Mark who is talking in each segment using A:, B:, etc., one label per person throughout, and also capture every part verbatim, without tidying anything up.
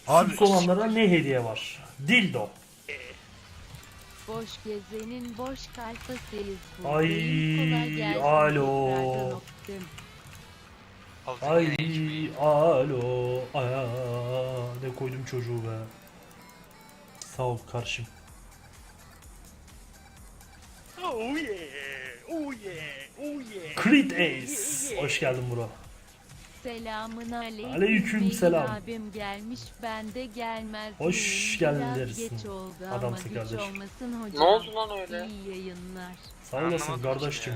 A: Abi
B: Süt olanlara ne hediye var? Dildo.
C: Boş gezenin boş kalfasıyız
B: Ay,
C: buradayım. Kolay gelsin
B: alo.
C: tekrardan öptüm.
A: aldın
B: Ay,
A: yine H P'yi.
B: alo. Aa, ne koydum çocuğu be. Sağ ol karşım.
D: Oh yeah, oh yeah, oh yeah.
B: Creed Ace. Hoş geldin bro.
C: Selamın aleyküm.
B: Aleyküm
C: Melih
B: selam.
C: abim gelmiş, ben de gelmez
B: Hoş
C: miyim?
B: geldin
C: Biraz
B: dersin.
C: geç oldu
B: Adamsın
C: ama hiç
B: kardeşim.
C: olmasın hocam.
E: Ne oldu lan öyle?
C: İyi yayınlar.
B: Sağ olasın
A: Anlamadım ki
B: kardeşim.
A: ya.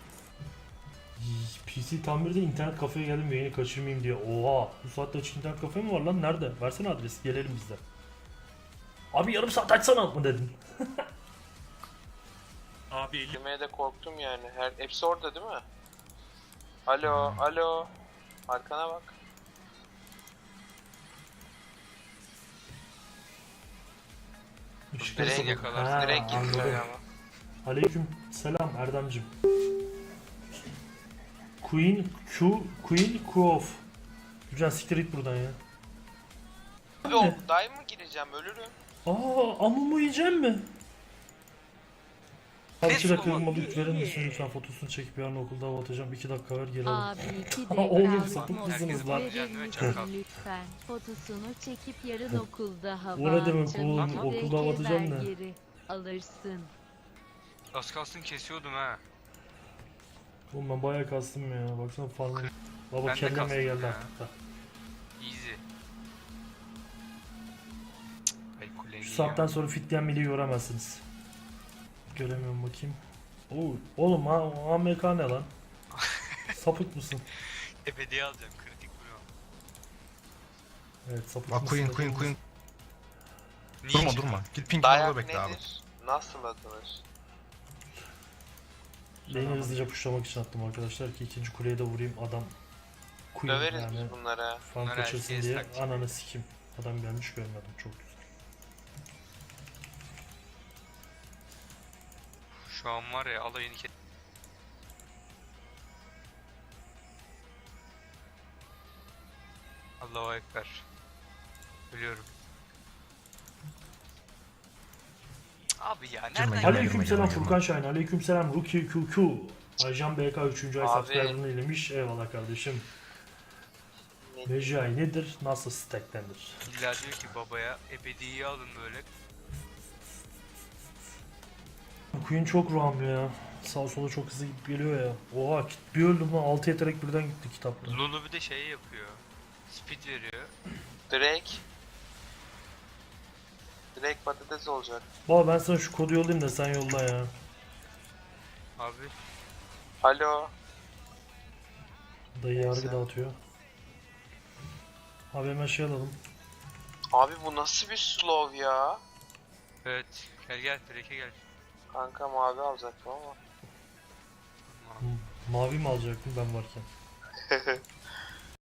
B: P C tamirde internet kafeye geldim yayını kaçırmayayım diye. Oha, bu saatte açık internet kafe mi var lan? Nerede? Versene adresi, gelelim biz de. Abi yarım saat açsana mı dedin?
D: Abi elim
E: Demeye de korktum yani. Her hepsi orada değil mi? Alo, alo. Arkana bak.
B: Işıkları
A: Direkt
B: kapat-
A: yakalarsın,
B: Ha,
E: Direkt gittiler
B: anladım.
E: ama.
B: Aleyküm selam Erdemcim. Queen Q Queen Kuof. Güzel siktir git buradan ya.
E: Abi o day mı gireceğim ölürüm.
B: Aa, amumu yiyecek mi? Abi
A: Ne
B: iki dakika
A: sorma-
B: yorumladık verir misin lütfen, fotosunu çekip yarın okulda hava atacağım. iki dakika ver geri al.
C: Abi iki
B: Ha,
C: de
B: oğlum,
C: kaldı
B: sapık
C: mı?
B: mısınız
A: lan?
C: Verir
A: Kendime
C: misin
A: çakal.
C: lütfen? Fotosunu çekip yarın okulda hava
B: O ne demek
C: atacağım.
B: oğlum?
C: İki de
B: Okulda hava atacağım
C: ver
B: ne?
C: geri alırsın.
A: Az kalsın kesiyordum ha.
B: Oğlum ben bayağı kastım ya. Baksana farmı. Baba
A: Ben de
B: kellemeye
A: kastım
B: geldi
A: ya.
B: artık da.
A: Easy. Ay kuleyi
B: Şu saatten sonra fit diyen miliyi göremezsiniz. Göremiyorum bakayım. Oo, oğlum ha A M K ne lan? Sapık mısın?
A: Ebedi alacağım kritik bro.
B: Evet sapık
F: Bak
B: mısın?
F: Queen Queen Queen.
A: Niye
F: Durma
A: çıktın?
F: durma. Git pink
E: Dayak
F: orada bekle abi.
E: nedir? Nasıl atılır?
B: Lane'i hızlıca pushlamak için attım arkadaşlar ki ikinci kuleye de vurayım, adam Queen
E: Döveriz
B: yani
E: biz bunlara.
B: fan
A: Bunlar
B: kaçırsın
A: herkes
B: diye
A: taktik.
B: ananı sikim. Adam gelmiş görmedim, çok güzel.
A: Şu an var ya alayını kes. Allahu Ekber. Biliyorum. Abi ya nereden
F: Girme, girme,
A: geldi?
B: Aleykümselam
F: girme.
B: Furkan Şahin, aleykümselam Ruki Q Q. Aycan B K üçüncü ay
E: Abi.
B: subscriber'ını ilemiş. Eyvallah kardeşim.
E: Ne-
B: Mecai nedir? Nasıl stacklenir?
A: İlla diyor ki babaya ebediyi alın böyle.
B: Queen çok ram ya. Sağ sola çok hızlı gidip geliyor ya. Oha bir öldüm lan, altı yetenek birden gitti kitapta.
A: Lulu bir de şey yapıyor. Speed veriyor.
E: Drake. Drake patates olacak.
B: Baba ben sana şu kodu yollayayım da sen yolla ya.
A: Abi
E: Alo.
B: Dayı yargı
E: Neyse.
B: dağıtıyor. Abi hemen şey alalım.
E: Abi bu nasıl bir slow ya?
A: evet gel gel Drake'e gel.
E: Kanka mavi alacaktım ama.
B: M- Mavi mi alacaktım ben varken?